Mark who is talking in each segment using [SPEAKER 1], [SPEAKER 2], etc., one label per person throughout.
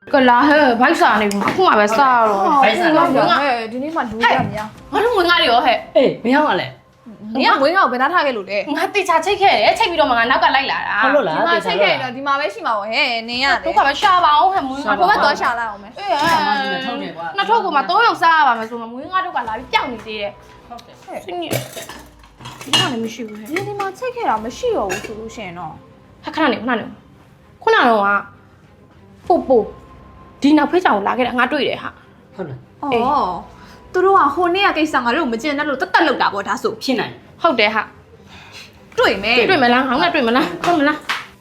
[SPEAKER 1] ကလာဟဲ့ဘိုက်စာနေဘူးခုမှပဲစားတော့ဘိုက်စာတော့ငါ
[SPEAKER 2] ဒီနေ့မှလူရမများ
[SPEAKER 1] ငါတို့ငွေငါတွေရောဟဲ့
[SPEAKER 3] အေးဘယ်ရောက်ရလဲ
[SPEAKER 2] နင်ကငွေငါကိုဘယ်နာထားခဲ့လို့လဲ
[SPEAKER 1] ငါတေချာချိတ်ခဲ့တယ်ချိတ်ပြီးတော့မှငါနောက်ကလိုက်လာတာ
[SPEAKER 3] ဟုတ်လို့လား
[SPEAKER 2] ဒီမှာချိန်ခဲ့တော့ဒီမှာပဲရှိမှာပေါ့ဟဲ့နင်က
[SPEAKER 1] တို့ကပဲရှာပါအောင်ဟဲ့မွေးငါ
[SPEAKER 2] ဘိုးဘက်သွားရှာလိုက်အောင်မယ်
[SPEAKER 1] အေးနှစ်ထုပ်ကမှ3ယောက်စားရပါမယ်ဆိုမှမွေးငါတို့ကလာပြီးပျောက်နေသေးတယ်ဟုတ်တယ်ဟဲ့ဒီကလည်းမရှိဘူးဟဲ့
[SPEAKER 2] ဒီမှာချိန်ခဲ့တာမရှိတော့ဘူးဆိုလို့ရှိရင်တော့
[SPEAKER 1] ခဏနေခုနတော့ပို့ဒီနောက်ဖေးချောင်လာခဲ့တာငါတွေ့တယ်ဟာ
[SPEAKER 3] ဟုတ်လား
[SPEAKER 2] အော်သူတို့ကဟိုနေ့ကကိစ္စငါတို့မကျင်တဲ့လို့တက်လောက်တာပေါ့ဒါဆို
[SPEAKER 3] ဖြစ်နိုင်
[SPEAKER 1] ဟုတ်တယ်ဟာ
[SPEAKER 2] တွေ့မယ်
[SPEAKER 1] လားငါကတွေ့မလားဟုတ်မလား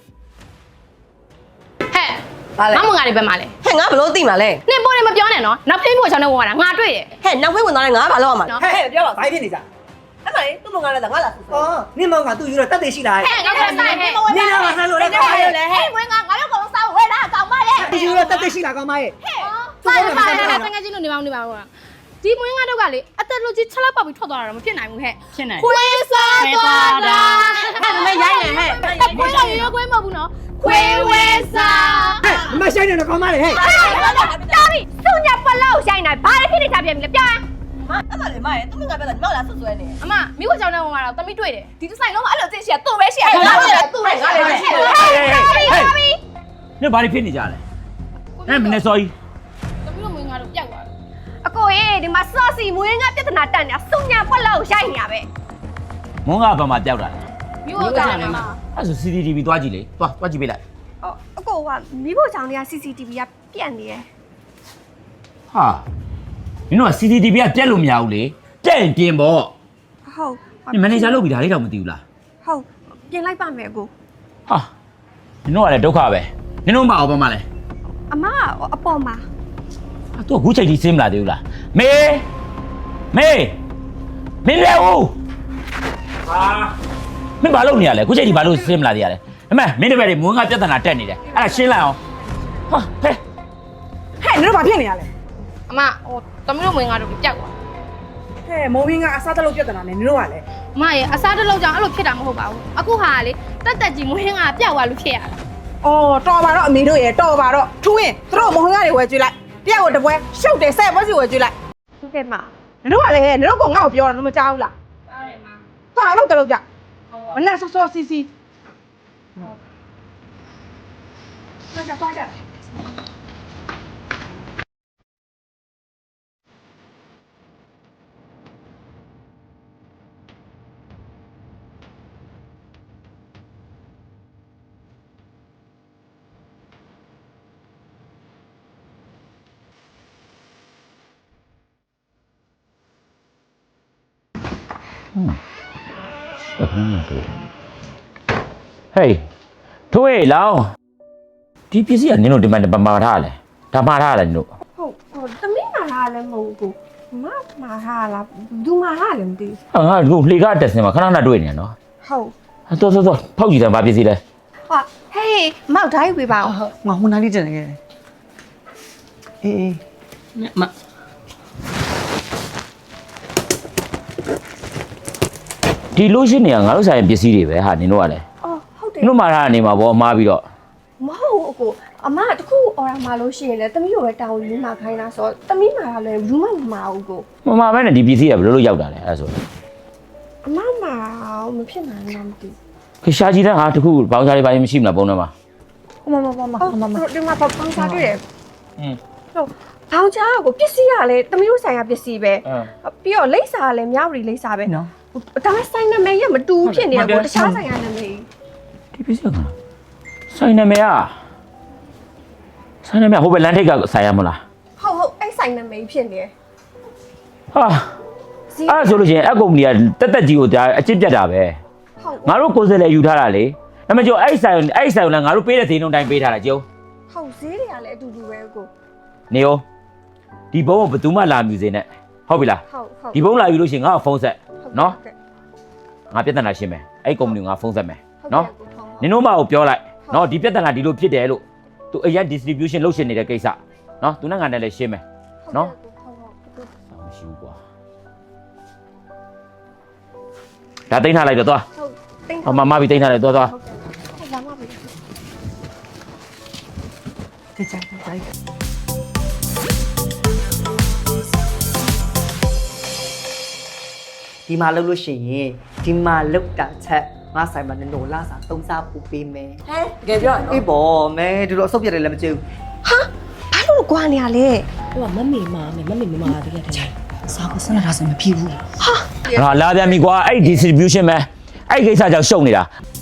[SPEAKER 1] ဟဲ့ငါမငါတွေပဲမလဲ
[SPEAKER 4] ဟဲ့ငါဘလို့သိမှာလဲ
[SPEAKER 1] နင်ပေါ်နေမပြောနဲ့နော်နောက်ဖေးဖို့ချောင်းနဲ့ဝင်လာတာငါတွေ့တယ်
[SPEAKER 4] ဟဲ့နောက်ဖေးဝင်သွားတယ်ငါဘာလုပ်ရမှာလဲ
[SPEAKER 5] ဟဲ့ပြောပါဘာဖြစ်နေကြ
[SPEAKER 4] အဲ့မလေးသူ့မငါလည်းငါလာဆို
[SPEAKER 5] အော်နင်မောင်ကသူ့ယူတော့တက်တယ်ရှိလား
[SPEAKER 1] ဟဲ့ငါကဆိုင်ဟဲ့
[SPEAKER 5] နင်ကဆန်းလို့လည်းကောင်းပါရဲ့
[SPEAKER 2] ဟဲ့ငွေငါတို့ကောင်စားဝဲတာကောင်းပါလေ
[SPEAKER 5] သူ့ယူတော့တက်တယ်ရှိလားကောင်းပါရဲ့
[SPEAKER 1] ဆိုင်တကယ်ချင်းလို့နေပါဦးဒီမွေးငါတို့ကလေအသက်လူကြီး6လောက်ပေါက်ပြီးထွက်သွားတာတော့မဖြစ်နိုင်ဘူးဟဲ့
[SPEAKER 3] ဖြစ်နိုင်
[SPEAKER 1] ခွေးစားသွားတာ
[SPEAKER 4] ဟဲ့မရိုင်းနေဟဲ့
[SPEAKER 1] ခွေးတော့ရွေးခွေးမဟုတ်ဘူးနော်ခွေးဝဲစား
[SPEAKER 5] ဟဲ့မဆိုင်နေတော့ကောင်းပါလေဟဲ့
[SPEAKER 1] တာပြီစုညပလောက်ရှိုင်းနေဘာလဲဖြစ်နေကြပြန်ပြီလဲပြော
[SPEAKER 4] မအဲ့မလေးမရဲ့သူ့မငါပြောတာငါလာဆွဆွဲနေ
[SPEAKER 1] အမမိခွချောင်းနဲ့ဝင်လာတော့တမိတွေ့တယ်
[SPEAKER 2] ဒီဒီဇိုင်းလုံးအဲ့လိုသိရှိရသူ့ပဲရှိရငါ
[SPEAKER 4] လည်းသူ့ပဲငါလည်းရှိတယ်
[SPEAKER 3] နေဘာတွေဖြစ်နေကြလဲအဲ့မနေ့စောကြီး
[SPEAKER 1] တမိတို့မွေးငါတို့ပျောက်သွားတယ်
[SPEAKER 4] အကိုရေဒီမှာစောစီမွေးငါပြဿနာတက်နေတာစုညာပွက်လောက်ရိုက်နေရပဲ
[SPEAKER 3] မုန်းကဘာမှပျောက်တာလဲ
[SPEAKER 1] မိခွချောင်းနဲ့
[SPEAKER 3] အဲ့ဆို CCTV သွားကြည့်လေသွားကြည့်ပေးလိုက်
[SPEAKER 4] အကိုကမိဖို့ချောင်းတွေက CCTV ကပြက်နေတယ်
[SPEAKER 3] ဟာမင်းတို့က CCTV ကပြက်လို့မရဘူးလေပြက်ရင်ပြင်ပေါ့
[SPEAKER 4] ဟုတ်
[SPEAKER 3] မန်နေဂျာလုပ်ပြီးဒါလေးတော့မသိဘူးလား
[SPEAKER 4] ဟုတ်ပြင်လိုက်ပါမယ်အကို
[SPEAKER 3] ဟာမင်းတို့ကလည်းဒုက္ခပဲမင်းတို့မအောင်ပါမလဲ
[SPEAKER 4] အမအပေါ်မှာ
[SPEAKER 3] သူကခုချိန်ထိစင်းမလာသေးဘူးလားမေမင်းလဲဦးဟာမင်းဘာလုပ်နေရလဲခုချိန်ထိဘာလို့စင်းမလာသေးရလဲအမေမင်းတပည့်တွေမွန်းကပြဿနာတက်နေတယ်အဲ့ဒါရှင်းလိုက်အောင်ဟာဟဲ့
[SPEAKER 5] နင်တို့ဘာဖြစ်နေရလဲ
[SPEAKER 1] အမတမိတို့မွေးငါတို့ပျောက်သွား
[SPEAKER 5] ဟဲ့မိုးမင်းကအစားတလို့ပြဿနာနဲ့နင်တို့ကလည်း
[SPEAKER 1] အမရဲ့အစားတလုံးကြောင့်အဲ့လိုဖြစ်တာမဟုတ်ပါဘူးအခုဟာလေတက်ကြီးမွေးငါပျောက်သွားလို့ဖြစ်ရတာ
[SPEAKER 5] အော်တော်ပါတော့အမေတို့ရေတော်ပါတော့ထူးရင်သူတို့မဟုတ်ငါတွေဝယ်ကြွေးလိုက်တယောက်ကိုတပွဲရှုပ်တယ်ဆက်ပွဲစီဝယ်ကြွေးလိုက်
[SPEAKER 4] ဟုတ်ကဲ့မ
[SPEAKER 5] နင်တို့ကလည်းနင်တို့ကငါ့ကိုပြောတာမကြားဘူးလား
[SPEAKER 1] ကြားတယ်မ
[SPEAKER 5] ဘာလို့တလို့ကြမနဲ့ဆော့ဆော့စီစီဟုတ်ကြသွားကြ
[SPEAKER 3] ဟေးထိုးရေလောင်းဒီပစ္စည်းကနင်တို့ဒီမှာမှာထားလဲဒါမှာထားလဲနင်တို့
[SPEAKER 4] ဟုတ်သမီးမှာထားလည်းမဟုတ်ဘူးမမှာထားလားသူမှာထားလည်းမသိ
[SPEAKER 3] ဘူးဟာငါတို့လှေကားတက်စင်မှာခဏခဏတွေ့နေနော်
[SPEAKER 4] ဟုတ်
[SPEAKER 3] တော်ဖောက်ကြည့်တယ်ဘာပစ္စည်းလဲ
[SPEAKER 4] ဟာဟေးမောက်ထားယူပေးပါဦး
[SPEAKER 5] ငါဟိုနားလေးကျန်နေခဲ့တယ်အေးမ
[SPEAKER 3] ဒီလို့ရှိနေရငါတို့ဆိုင်ပစ္စည်းတွေပဲဟာနင်တို့ကလည်း
[SPEAKER 4] အော်ဟုတ်တယ်
[SPEAKER 3] နင်တို့မှာထားနေမှာဗောအမားပြီးတော့
[SPEAKER 4] မဟုတ်ဘူးအကိုအမတခုအော်ရမှာလို့ရှိရင်လည်းသမီးတို့ပဲတောင်းယူမှာခိုင်းတာဆိုတော့သမီးမှာလည်းဘူးမမှာဘူးကို
[SPEAKER 3] မမပဲနဲ့ဒီပစ္စည်းကဘယ်လိုရောက်တာလဲအဲ့ဆို
[SPEAKER 4] အမမှာမဖြစ်နိုင်ဘူးမသိ
[SPEAKER 3] ခရှာကြီးတဲ့ဟာတခုဘောင်းစားလေးပိုင်းမရှိမလားပုံထဲမှာ
[SPEAKER 4] မဒီမှာပေါင်းစားတွေ့တယ်ဟုတ်ဘောင်းချာကိုပစ္စည်းကလည်းသမီးတို့ဆိုင်ရာပစ္စည်းပဲပြီးတော့လိပ်စာကလည်းမြောက်ရီလိပ်စာပဲနော်ဒါပေမဲ့ဆိုင်နာမည်ရမတူဖြစ်နေတော့တခြားဆိုင်ရာနာမည်
[SPEAKER 3] ဒီပစ္စည်းကဆိုင်နာမည်ဟိုဘက်လန်ထိတ်ကဆိုင်ရမလား
[SPEAKER 4] ဟုတ်အဲ့ဆိုင်နာမည်ဖြစ်နေ
[SPEAKER 3] ဟာအဲ့ဆိုလို့ရှိရင်အကုမ္ပဏီကတက်ကြီးကိုဒါအချစ်ပြတ်တာပဲငါတို့ကိုယ်စလဲယူထားတာလေအမကျော်အဲ့ဆိုင်ကိုလည်းငါတို့ပေးတဲ့ဈေးနှုန်းတိုင်းပေးထားတာကျုံ
[SPEAKER 4] ဟုတ်ဈေးတွေကလည်းအတူတူပဲကို
[SPEAKER 3] နေရောဒီဘုံကိုဘယ်သူမှလာမြူစေနဲ့ဟုတ်ပြီလားဒီဘုံလာယူလို့ရှိရင်ငါ့ကိုဖုန်းဆက်နော်ငါပြဿနာရှင်းမယ်အဲ့ကုမ္ပဏီကိုငါဖုန်းဆက်မယ်နော်နင်တို့မကိုပြောလိုက်နော်ဒီပြဿနာဒီလိုဖြစ်တယ်လို့သူအရင် distribution လုပ်ရှင်နေတဲ့ကိစ္စနော်သူနဲ့ငါနဲ့လည်းရှင်းမယ်နော်မရှိဘူးကွာဒါတိန်းထားလိုက်တော့သွားမမပြီးတိန်းထားလိုက်သွား
[SPEAKER 5] ကြကြကြ
[SPEAKER 6] ဒီမှာလုပ်လို့ရှိရင်ဒီမှာလောက်တာချက်ငါဆိုင်မှာနင်တို့လာစားသုံးစားပူပေးမယ်
[SPEAKER 5] ဟဲ့တကယ်ပြောရနော်
[SPEAKER 6] အေးပေါ့မဲဒီလိုအဆုတ်ပြတယ်လည်းမကြည့်ဘူး
[SPEAKER 4] ဟာဘာလို့ကွာနေရလဲ
[SPEAKER 7] ဟိုကမမေမာမယ်မမေမမာတကယ်တည်း
[SPEAKER 5] စားကစနတာဆိုမဖြစ်ဘူး
[SPEAKER 3] ငါလာပြန်ပြီကွာအဲ့ distribution ပဲအဲ့ကိစ္စကြောင့်ရှုံနေတာ